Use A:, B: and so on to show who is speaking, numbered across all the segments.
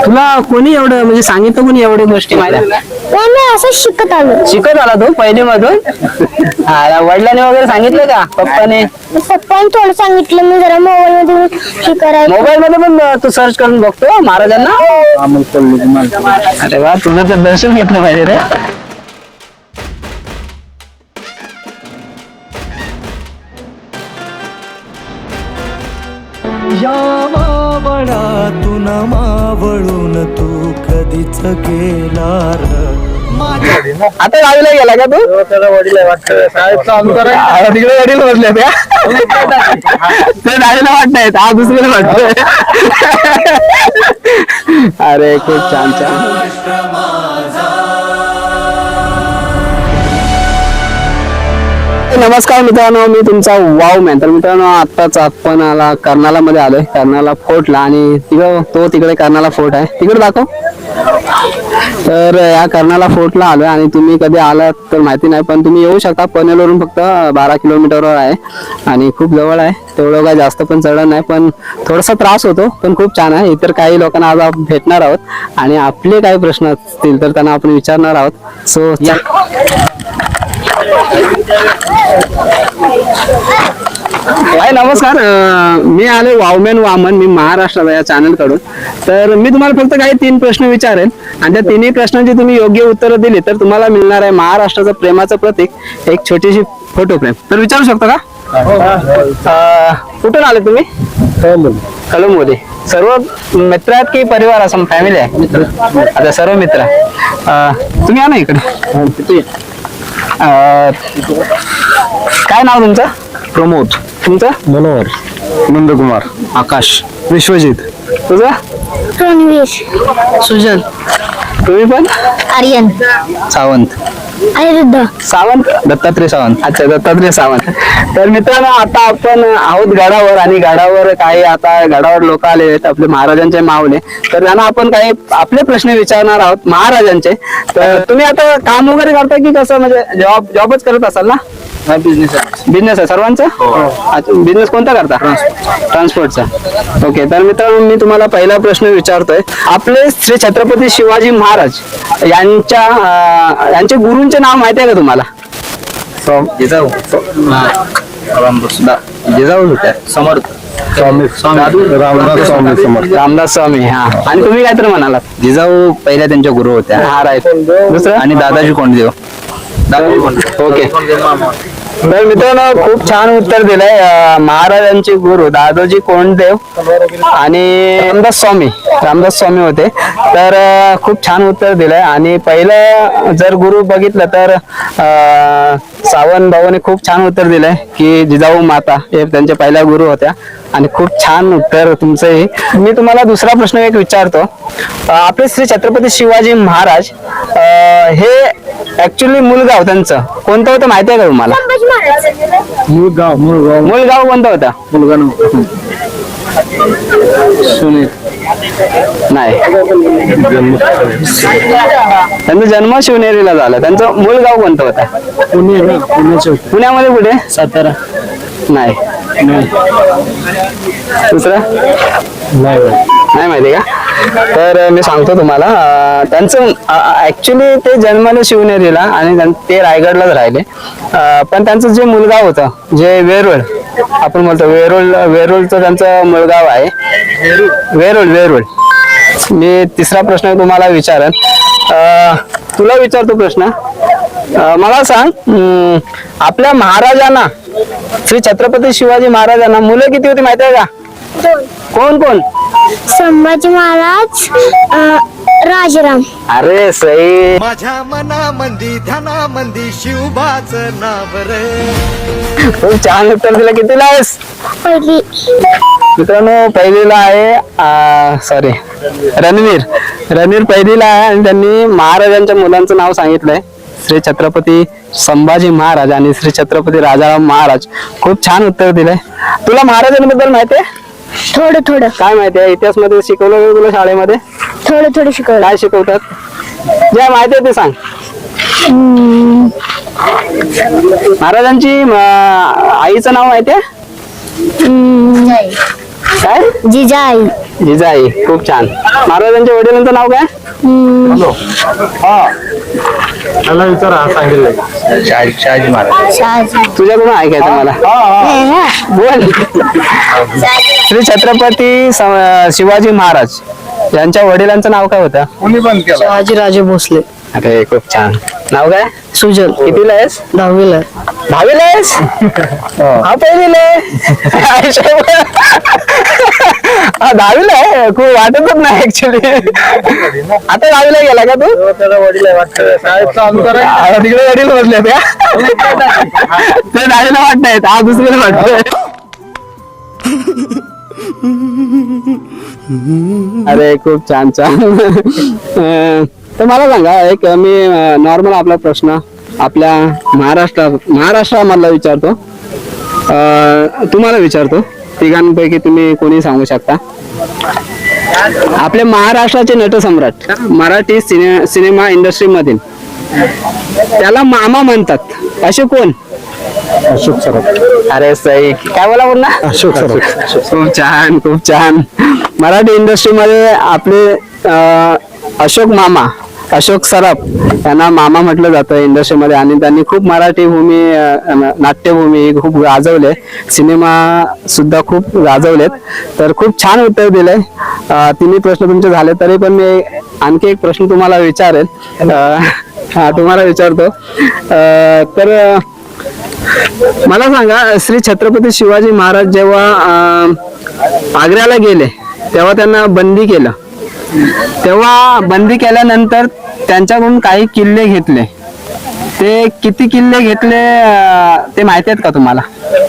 A: तुला कोणी एवढं म्हणजे सांगितलं कोणी एवढ्या गोष्टी माहिती?
B: मी असं शिकत आलो.
A: शिकत आला तो पहिली मधून? वडिलांनी वगैरे सांगितलं का? पप्पाने?
B: पप्पाने थोडं सांगितलं, मी जरा मोबाईल मध्ये हे करायचं.
A: मोबाईल मध्ये पण तू सर्च करून बघतो महाराजांना? अरे वा, तुझं तर दर्शन घेतलं पाहिजे रे.
C: या मावळातून मावळून तू कधीच गेला र.
A: आता गावीला गेला का तू?
D: त्याला वडील वाटतं
A: तिकडे वडील बसले त्या गाडीला वाटतायत, हा दुसरीला वाटतोय. अरे खूप छान छान. नमस्कार मित्रांनो, मी तुमचा वाव मॅन. तर मित्रांनो, आत्ताच आपण कर्नाला मध्ये आलोय, कर्नाला फोर्टला. आणि तिकडे कर्नाला फोर्ट आहे, तिकडे दाखव. तर या कर्नाला फोर्टला आलोय आणि तुम्ही कधी आलात तर माहिती नाही, पण तुम्ही येऊ शकता. पनवेलवरून फक्त 12 किलोमीटरवर आहे आणि खूप जवळ आहे. तेवढं काय जास्त पण चढण नाही, पण थोडासा त्रास होतो, पण खूप छान आहे. इतर काही लोकांना आज आपण भेटणार आहोत आणि आपले काही प्रश्न असतील तर त्यांना आपण विचारणार आहोत. सो हाय, नमस्कार. मी आले वावमॅन वामन, मी महाराष्ट्राला या चॅनल कडून. तर मी तुम्हाला फक्त काही 3 प्रश्न विचारेन आणि त्या 3 प्रश्नांची तुम्ही योग्य उत्तरं दिली तर तुम्हाला मिळणार आहे महाराष्ट्राचं प्रेमाचं प्रतीक, एक छोटीशी फोटो फ्रेम. तर विचारू शकता का? कुठून आले तुम्ही? कळंबमध्ये. सर्व मित्र आहेत की परिवार, असं फॅमिली आहे? आता सर्व मित्र. तुम्ही या ना इकडे. काय नाव तुमचं?
D: प्रमोद.
A: तुमचं?
D: मनोहर. नंदकुमार.
A: आकाश.
D: विश्वजित.
A: तुझं?
B: रणवीर.
A: सुजल. तुम्ही पण?
B: आर्यन.
A: सावंत.
B: अनिरुद्ध.
A: सावंत. दत्तात्रय सावंत. अच्छा, दत्तात्रय सावंत. तर मित्रांनो, आता आपण आहोत गडावर आणि गडावर काही आता गडावर लोक आले आहेत, आपले महाराजांचे मावले. तर त्यांना आपण काही आपले प्रश्न विचारणार आहोत महाराजांचे. तर तुम्ही आता काम वगैरे करता की कसं, म्हणजे जॉबच करत असाल ना? बिझनेस आहे सर्वांचा? अच्छा, बिझनेस कोणता करता? ट्रान्सपोर्टचा. ओके. तर मित्रांनो, मी तुम्हाला पहिला प्रश्न विचारतोय. आपले श्री छत्रपती शिवाजी महाराज यांचे गुरूंचे नाव माहिती आहे का तुम्हाला?
D: जिजाऊ.
A: जिजाऊ होत्या.
D: समर्थ स्वामी. रामदास स्वामी समर्थ.
A: रामदास स्वामी. हा. आणि तुम्ही काय तर म्हणालात?
D: जिजाऊ पहिल्या त्यांच्या गुरु होत्या.
A: हा, राईट. दुसरं?
D: आणि दादाजी कोंडदेव.
A: ओके. तर मित्रांनो, खूप छान उत्तर दिलंय. महाराजांचे गुरु दादोजी कोंडदेव आणि रामदास स्वामी होते. तर खूप छान उत्तर दिलंय. आणि पहिलं जर गुरु बघितलं तर सावंत भाऊने खूप छान उत्तर दिलंय की जिजाऊ माता हे त्यांच्या पहिल्या गुरु होत्या. आणि खूप छान उत्तर तुमचंही. मी तुम्हाला दुसरा प्रश्न एक विचारतो. आपले श्री छत्रपती शिवाजी महाराज हे ऍक्च्युली मूलगाव त्यांचं कोणतं होतं माहिती आहे का तुम्हाला?
D: मूळगाव.
A: मूलगाव कोणतं होतं?
D: मुलगा
A: सुनील नाही. त्यांचा जन्म शिवनेरीला झाला. त्यांचं मूळ गाव कोणतं होतं? पुण्यामध्ये कुठे?
D: सातारा.
A: नाही. दुसरं नाही माहिती का? तर मी सांगतो तुम्हाला. त्यांचं ऍक्च्युली ते जन्मले शिवनेरीला आणि ते रायगडलाच राहिले. पण त्यांचं जे मुलगाव होतं, जे वेरूळ आपण बोलतो, वेरूळचं त्यांचं मुलगाव आहे. वेरूळ. मी तिसरा प्रश्न तुम्हाला विचारेन. तुला विचारतो प्रश्न. मला सांग, आपल्या महाराजांना, श्री छत्रपती शिवाजी महाराजांना मुलं किती होती माहिती आहे का? कोण कोण?
B: संभाजी महाराज, राजाराम.
A: अरे सई.
C: माझ्या मनामंदी ध्यानामंदी शिवबाच नाव रे.
A: खूप छान उत्तर दिलं. कितीला आहेस?
B: पहिली.
A: मित्रांनो, पहिलीला आहे. सॉरी, रणवीर पहिलीला आहे. आणि त्यांनी महाराजांच्या मुलांचं नाव सांगितलंय, श्री छत्रपती संभाजी महाराज आणि श्री छत्रपती राजाराम महाराज. खूप छान उत्तर दिलंय. तुला महाराजांबद्दल माहिती आहे?
B: थोडं.
A: काय माहिती आहे? इतिहास मध्ये शिकवलं का तुला शाळेमध्ये?
B: थोडं शिकवलं.
A: काय शिकवतात? जे माहिती आहे ते सांग. महाराजांची आईचं नाव माहिती आहे?
B: नाही.
A: काय?
B: जिजाई.
A: जिजाई. खूप छान. महाराजांच्या वडिलांचं नाव काय?
D: त्याला विचारा सांगितलं शहाजी महाराज.
B: शहाजी.
A: तुझ्याकडून ऐकायचं मला. बोल. श्री छत्रपती शिवाजी महाराज यांच्या वडिलांचं नाव काय होतं?
D: कोणी पण केला
E: शहाजीराजे भोसले.
A: अरे खूप छान. नाव काय?
E: सुजल.
A: कितीला आहेस?
E: 10वीला.
A: 10वीला आहेस? हा पहिलीला आहे. हा 10वीला आहे. खूप वाटतच नाही ऍक्च्युली. आता 10वीला गेला का तू?
D: त्याला वडील वाटतं शाळेत चालू करा.
A: हा, तिकडे वडील बसले का? ते 10वीला वाटतायत. हा दुसरीला वाटतोय. अरे खूप छान छान. तर मला सांगा एक मी नॉर्मल आपला प्रश्न आपल्या महाराष्ट्रामधला विचारतो. तुम्हाला विचारतो. तिघांपैकी तुम्ही कोणी सांगू शकता? आपले महाराष्ट्राचे नटसम्राट मराठी सिनेमा इंडस्ट्री मधील त्याला मामा म्हणतात असे कोण?
D: अशोक सर.
A: अरे सई काय बोला बोल ना.
D: अशोक सर.
A: खूप छान खूप छान. मराठी इंडस्ट्रीमध्ये आपले अशोक मामा अशोक सराफ यांना मामा म्हटलं जातं इंडस्ट्रीमध्ये आणि त्यांनी खूप मराठी भूमी नाट्यभूमी खूप गाजवले. सिनेमा सुद्धा खूप गाजवलेत. तर खूप छान उत्तर दिलंय. तिन्ही प्रश्न तुमचे झाले तरी पण मी आणखी एक प्रश्न तुम्हाला विचारेल. हा तुम्हाला विचारतो. तर मला सांगा श्री छत्रपती शिवाजी महाराज जेव्हा आग्र्याला गेले तेव्हा त्यांना बंदी केलं. तेव्हा बंदी केल्यानंतर त्यांच्याकडून काही किल्ले घेतले. ते किती किल्ले घेतले ते माहिती आहेत का तुम्हाला?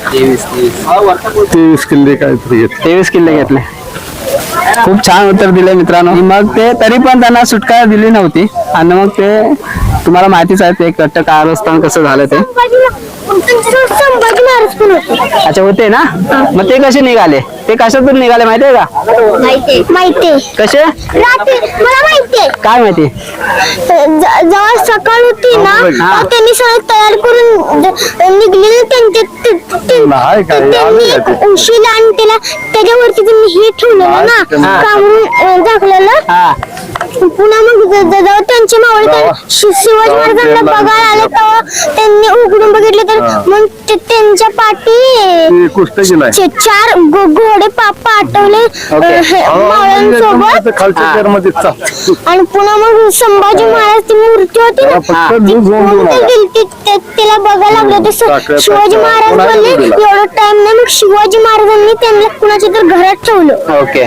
D: 23 किल्ले काहीतरी घेतले.
A: 23 किल्ले घेतले. खूप छान उत्तर दिले मित्रांनो. मग ते तरी पण त्यांना सुटका दिली नव्हती आणि मग ते तुम्हाला माहितीच आहे ते कट्ट कारस्थान कसं झालं ते.
B: संभाजी महाराज पण होते.
A: अच्छा होते ना. मग ते कसे निघाले? ते कशातून निघाले माहितीये का?
B: माहितीये.
A: कसे?
B: रात्री मला माहितीये.
A: काय माहिती?
B: जेव्हा सकाळ होती ना तेव्हा त्यांनी सगळं तयार करून निघलेले
D: नाही काय,
B: त्यांनी एक उशीला आणि त्याला त्याच्यावरती त्यांनी हे ठेवलेलं ना काढून दाखवलेलं.
A: हा
B: पुन्हा मग जेव्हा त्यांचे मावळे शिवाजी महाराजांना बघायला आले तेव्हा त्यांनी उघडून बघितले तर मग त्यांच्या पाठी
D: कुस्ती नाही
B: 4 घोडे पाठवले मावळ्यांसोबत.
D: खालच्या मध्ये
B: आणि पुन्हा मग संभाजी महाराज ती मूर्ती होती ना ती कोणती गेलती त्याला बघायला लागले होते. शिवाजी महाराज बोलले एवढं टाइम नाही. मग शिवाजी महाराजांनी त्यांना कुणाच्या तर घरात ठेवलं.
A: ओके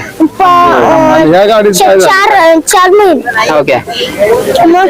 B: 4 महिने.
A: ओके.
B: मग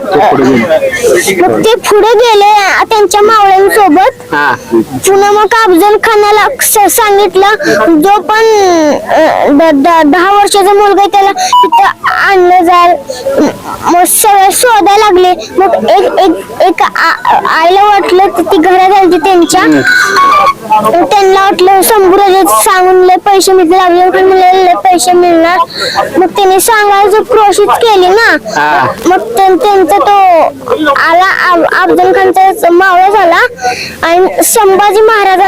B: ते पुढे गेले त्यांच्या मावळ्यांसोबत.
A: हा
B: पुन्हा मग अफजल खानाला सांगितलं जो पण 10 वर्षाचा मुलगा आहे त्याला तिथं आणलं जाईल. मग सगळे शोधायला लागले. मग एक आईला वाटलं ती घरात आली त्यांच्या. त्यांना वाटलं शंभूराजे सांगून लय पैसे मिळतील लागले पैसे मिळणार. मग त्यांनी सांगायचं प्रोसेस केली ना. मग त्यांचा तो आला अफजल खानचा मावळा झाला आणि संभाजी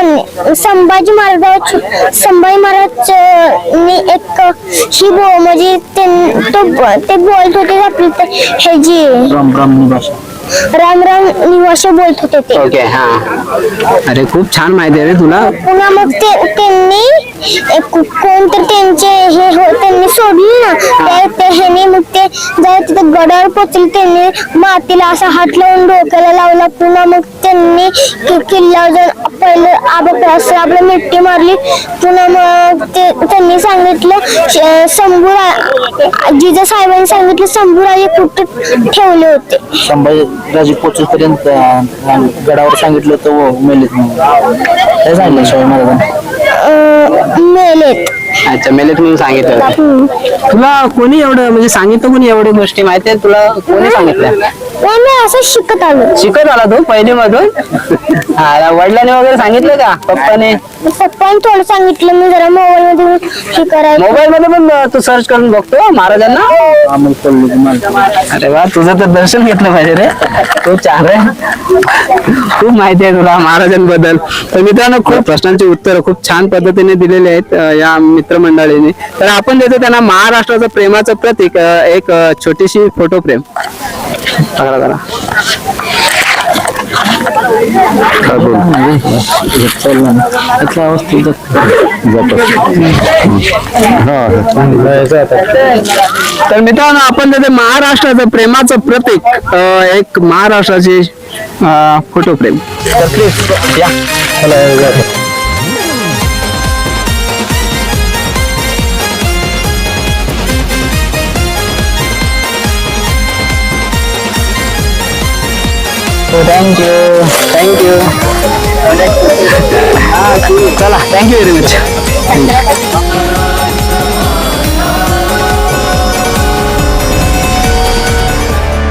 B: महाराजांनी एक ही म्हणजे ते बोलत होते आपली हे जी राम राम निवासा बोलत होते ते.
A: ओके. हा अरे खूप छान माहिती आहे रे तुला.
B: पुन्हा मग त्यांनी कोणतर त्यांनी सोडली ना ह्याने. मग ते जेव्हा तिथे गडावर पोचले त्यांनी मातीला असा हात लावून डोक्याला लावला. पुन्हा मग त्यांनी किल्ल्यावर जाऊन पहिलं आपलं मिट्टी मारली. पुन्हा मग त्यांनी सांगितलं जिजा साहेबांनी सांगितलं शंभूराजे कुठे ठेवले होते.
E: संभाजीराजे पोचेपर्यंत गडावर सांगितलं तर मेलेत म्हणून काय सांगितलं शिवाजी महाराजांनी?
B: मेलेत.
A: अच्छा मेलेत म्हणून सांगितलं होतं. तुला कोणी एवढं म्हणजे सांगितलं कोणी एवढी गोष्टी माहिती आहे तुला? कोणी सांगितलं?
B: मी असं शिकत आलो.
A: शिकत आला तू पहिली मधून? वडिलांनी वगैरे सांगितलं का? पप्पाने
B: थोडं सांगितलं. मी जरा मोबाईल मध्ये हे करायचं.
A: मोबाईल मध्ये पण तू सर्च करून बघतो महाराजांना? अरे वा तुझं तर दर्शन घेतलं पाहिजे रे. खूप छान रे. खूप माहिती आहे तुला महाराजांबद्दल. तर मित्रांनो खूप प्रश्नांची उत्तर खूप छान पद्धतीने दिलेली आहेत या मित्र मित्रमंडळींनी. तर आपण देतो त्यांना महाराष्ट्राचं प्रेमाचं प्रतीक एक छोटीशी फोटो फ्रेम. करा तर मित्रांनो आपण देतो महाराष्ट्राचं प्रेमाचं प्रतीक एक महाराष्ट्राची फोटो फ्रेम. तर प्लीज या. थँक्यू चला थँक्यू व्हेरी मच.